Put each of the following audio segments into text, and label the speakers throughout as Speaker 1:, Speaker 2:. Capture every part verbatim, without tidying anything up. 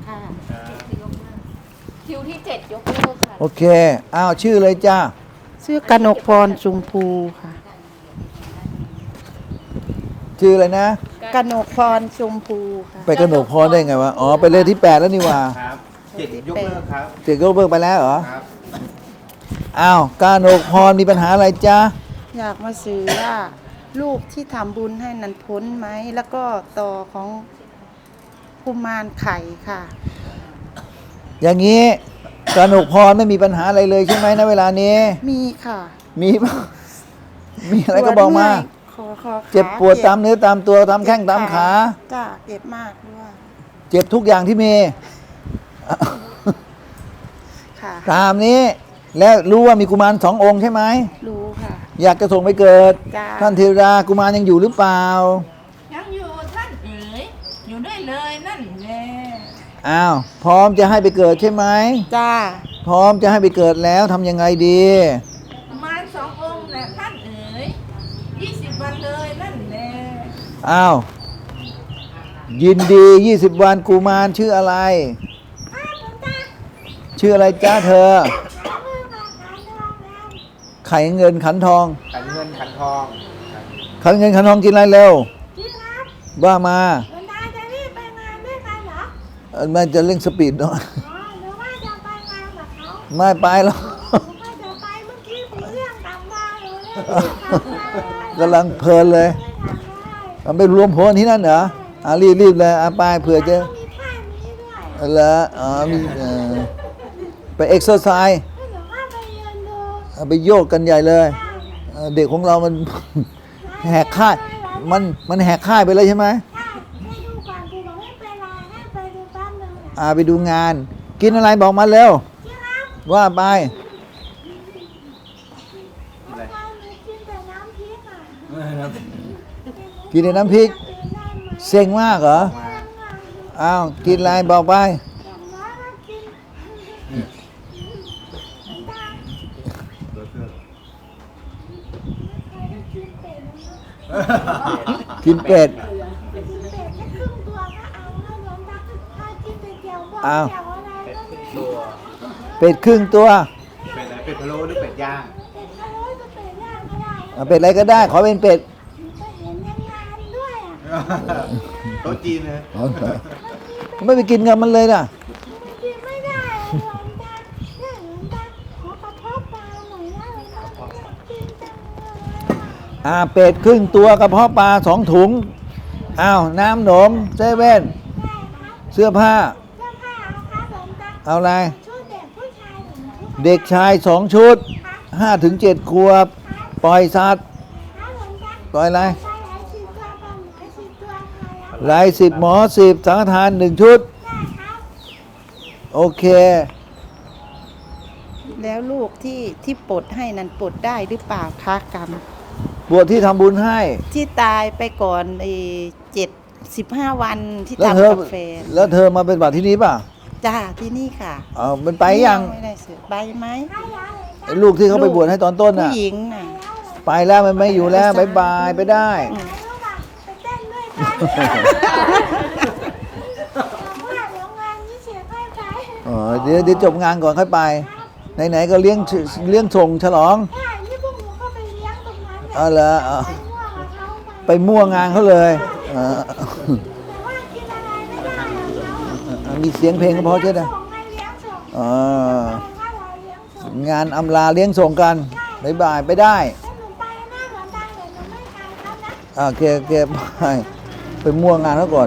Speaker 1: ค่ะ
Speaker 2: คิวที่เจ็ดยกเลิกค่ะ
Speaker 3: โอเคอ้าวชื่อเลยจ้า
Speaker 1: ชื่อกนกพรชุมพูค่ะ
Speaker 3: ชื่ออะไรนะ
Speaker 1: กนกพรชุมพูค่ะ
Speaker 3: ไปกระหนกพรได้ไงวะอ๋อไปเลยที่แปดแล้วนี่ว่า
Speaker 4: ครับเจ็ดยกเลิกครับ
Speaker 3: เจ็ดก็เบิกไปแล้วเหรอ
Speaker 4: ครับ
Speaker 3: อ้าวกระหนกพรมีปัญหาอะไรจ้า
Speaker 1: อยากมาซื้อว่าลูกที่ทำบุญให้นันพ้นไหม แล้วก็ต่อของกุมารไข่ค่ะ
Speaker 3: อย่างนี้กระหนกพรไม่มีปัญหาอะไรเลยใช่ไหมนะเวลานี้
Speaker 1: มีค่ะ
Speaker 3: มีปะมีอะไรก็บอกมา
Speaker 1: ขอขอขา
Speaker 3: เจ็บปวดตามเนื้อตามตัวตามแข้งตามขา
Speaker 1: จ้าเจ็บมากด้วย
Speaker 3: เจ็บทุกอย่างที่มี
Speaker 1: ค่ะ
Speaker 3: ตามนี้ แล้วรู้ว่ามีกุมารสององค์ใช่ไหม
Speaker 1: รู้ค่ะ
Speaker 3: อยากจะส่งไปเกิด
Speaker 1: จ้า
Speaker 3: ท่านเทวดากุมารยังอยู่หรือเปล่า
Speaker 2: ยังอยู่ท่านเอ๋ยอยู่ได้เลยนั่นแหละ
Speaker 3: อ้าวพร้อมจะให้ไปเกิดใช่ไหม
Speaker 1: จ้า
Speaker 3: พร้อมจะให้ไปเกิดแล้วทำยังไงดี
Speaker 2: ประมาณสององค์แหละท่านเอ๋ยยี่สิบวันเลยนั่นแหละ
Speaker 3: อ้าวยินดียี่สิบวันกุมารชื่ออะไร ชื่ออะไรจ้าเธอ ไข่เงินขันทอง
Speaker 4: ขันเงินขันทองครับ
Speaker 3: ขันเงินขันทองกินอะไรเร็ว
Speaker 5: พี่ครับ
Speaker 3: ว่ามา
Speaker 5: วันตาจะรีบไปงานด้วยกันเหรอ
Speaker 3: เอ่อมันจะเร่งสปีดหน่อย
Speaker 5: อ๋อหรือว่าจะไปงานกับเขา
Speaker 3: ไม่ไปหรอก
Speaker 5: หรือว่าจะไปเมื่อกี้คุยเรื่องกลับมาหรือเรื่องกลับมาก
Speaker 3: ำลังเพลินเลย
Speaker 5: ไม่ทำได้
Speaker 3: เอาไปรวมพลที่นั่นเหรออ่ะรีบรีบเลยอ่ะไปเผื่อจะ
Speaker 5: แล้วก็มีท่านี้ด้วย
Speaker 3: เหรออ๋อมีเอ่อไปเอ็กซ์เซอร์ไซส์
Speaker 5: ให้หนูเข้าไปยืนดู
Speaker 3: เอาไปโยกกันใหญ่เลยเอ่อเด็กของเรามัน แหกค่าย มันมันแหกค่ายไปเลยใช่ไหม
Speaker 5: ถ้าให้ดูก่อนกูบอกไม่เป็นไรให้ไปดูแป๊บนึงอ่ะ
Speaker 3: อ่าไปดูงาน กินอะไรบอกมาเร็ว
Speaker 5: พี่ครับ
Speaker 3: ว่าไป
Speaker 5: วันตาหนูกินแต่น้ำพริกอ่ะ
Speaker 3: กินในน้ำพริก
Speaker 5: ตื่นได้ไหม
Speaker 3: เซ็งมากเหรอ
Speaker 5: ยังอ่ะ
Speaker 3: อ้าวกินอะไรบอกไป
Speaker 5: อย่างน้อยก็กินตาไม่เคยได้กินเป็ดเลยนะ
Speaker 3: กินเป็ด
Speaker 5: เป็ดแค่ครึ่งตัวก็เอาแล้วหลวงตาถ้ากินแต่เจียวบอง
Speaker 3: อ้าว
Speaker 5: เจียวอะไรก็ไม่
Speaker 4: ตัว
Speaker 3: เป็ดครึ่งตัว
Speaker 4: เป็ดอะไรเป็ดพะโล้หรือเป็ดย่าง
Speaker 5: เป็ดพะโล้ก็เป็ดย่างก็ได้
Speaker 3: เอาเป็ดอะไรก็ได้ ขอเป็นเป็ด
Speaker 5: ก็เห็นในงานด้วยอ่ะ
Speaker 4: โต๊ะจีนเลย
Speaker 3: ไม่ไปกินกับมันเลยนะ
Speaker 5: กินไม่ได้อะหลวงตาเนี่ยหลวงตาขอกระเพาะปลาหน่อยนะหลวงตาอยากกินจังเลยอะ
Speaker 3: อ่าเป็ดครึ่งตัวกระเพาะปลาสองถุงอ้าวน้ำหนมเซเว่น
Speaker 5: ได้ครับ
Speaker 3: เสื้อผ้า
Speaker 5: เสื้อผ้าเอาครับหลวงตา
Speaker 3: เอาอะไร
Speaker 5: ชุดเด็กผู้ชายหนึ่งชุด
Speaker 3: เด็กชายสองชุดห้าถึงเจ็ดขวบ ปล่อยสัตว์
Speaker 5: ครับหลวงตา
Speaker 3: ปล่อยอะไร
Speaker 5: ใช้หลายสิบตัวปลาหมึกหลายสิบตัวครับ
Speaker 3: ลายสิบหมอสิบสังฆทานหนึ่งชุด
Speaker 5: ได้ครับ
Speaker 3: โอเค
Speaker 1: แล้วลูกที่ที่ปลดให้นั้นปลดได้หรือเปล่าคะกรรม
Speaker 3: บวชที่ทำบุญให้
Speaker 1: ที่ตายไปก่อนไอ้เจ็ดสิบห้าวันที่
Speaker 3: แล้วเธ
Speaker 1: ทำ
Speaker 3: อ
Speaker 1: กับแฟน
Speaker 3: แล้วเธอมาเป็นบัตรที่นี้ป่ะ
Speaker 1: จ้าที่นี่ค่ะ
Speaker 3: เอามันไปยัง
Speaker 1: ไม่ได้เสือไปไหม
Speaker 5: ได้แล้วเลย
Speaker 3: ไอ้ลูกที่เขาไปบวชให้ตอนต้น
Speaker 1: ผู้
Speaker 3: น่ะ
Speaker 1: หญิงน่ะ
Speaker 3: ไปแล้วมันไม่อยู่แล้วบายบายไปได้
Speaker 5: ไหนรู้ป่ะไปเต้นด้วยกันแต่ว่าเดี๋ยวงานนี้เสียค่อยไป
Speaker 3: อ๋อเดี๋ยวเดี๋ยวจบงานก่อนค่อยไป ไหนๆก็เลี้ยงเลี้ยงส่งฉลอง
Speaker 5: ใช่นี่พวกหนูก็ไปเลี้ยงตรงนั้น
Speaker 3: เอาเหรอเอา
Speaker 5: ไปมั่วกับเขาไป
Speaker 3: ไปมั่วงานเขาเลยเออ
Speaker 5: แต่ว่ากินอะไรไม่ได้อะเขา
Speaker 3: มีเสียงเพลงก็พอใช่ไหม
Speaker 5: ส่งให้เลี้ยงส่ง
Speaker 3: อ๋อ
Speaker 5: ถ้าเราเลี้ยงส่ง
Speaker 3: งานอำลาเลี้ยงส่งกันบายบายไปได้
Speaker 5: ให้หนูไปหน้าหลวงตาเดี๋ยวหนูไม่ไปครับนะ
Speaker 3: อ่าโอเคโอเคไปไปมั่วงานเขาก่อน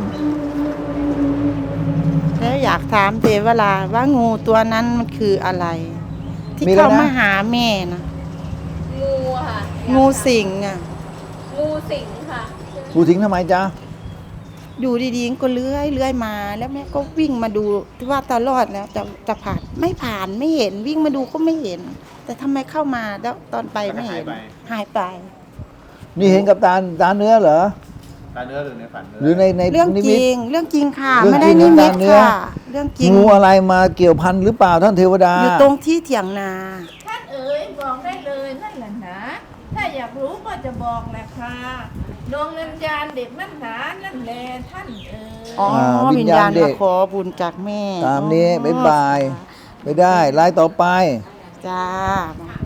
Speaker 1: แล้วอยากถามเทวราว่างูตัวนั้นมันคืออะไร ที่
Speaker 3: มีอะไรนะ
Speaker 1: เข้ามาหาแม่นะ
Speaker 2: งูค่ะ
Speaker 1: งูสิงอ่ะ
Speaker 2: งูสิงค่ะ
Speaker 3: กูทิ้งทำไมจ๊ะ
Speaker 1: อยู่ดีๆก็เลื้อยเลื้อยมา แล้วแม่ก็วิ่งมาดูที่ว่าตลอดแล้วจะจะผ่านไม่ผ่านไม่เห็นวิ่งมาดูก็ไม่เห็น แต่ทำไมเข้ามาแล้วตอนไปไม่เห็นหายไป
Speaker 3: นี่เห็นกับตาตาเนื้อเหรอ
Speaker 4: ตาเนื้อหรือในฝันเนื้
Speaker 3: หรือในใน
Speaker 1: เรื่อง
Speaker 3: นิ
Speaker 1: จ
Speaker 3: มิต
Speaker 1: ริง เรื่องจริงค่ะ
Speaker 3: เรื่อง
Speaker 1: ไม่ได้
Speaker 3: จริ
Speaker 1: นิ
Speaker 3: ง
Speaker 1: มิต
Speaker 3: ตามเนื้อ
Speaker 1: ค่ะ เรื่องจริง
Speaker 3: งูอะไรมาเกี่ยวพันหรือเปล่าท่านเทวดา
Speaker 1: อยู่ตรงที่เถียงนา
Speaker 2: ท่านเอ๋ยบอกได้เลยนั่นแหละนะถ้าอยากรู้ก็จะบอกแหละค่ะดวงวิญญาณเด็กนั่นหนานั่นแลท่านเอ๋ย
Speaker 1: อ๋อ
Speaker 3: อ่าวิ
Speaker 1: วิ
Speaker 3: ญ
Speaker 1: ญ
Speaker 3: ญา
Speaker 1: ญา
Speaker 3: ณ
Speaker 1: ณ
Speaker 3: เด็
Speaker 1: มาก ขอบุญจากแม่
Speaker 3: ตามนี้
Speaker 1: อ๋อ
Speaker 3: บ๊ายบาย ไม่ได้ไลน์ต่อไป
Speaker 1: จ้ามา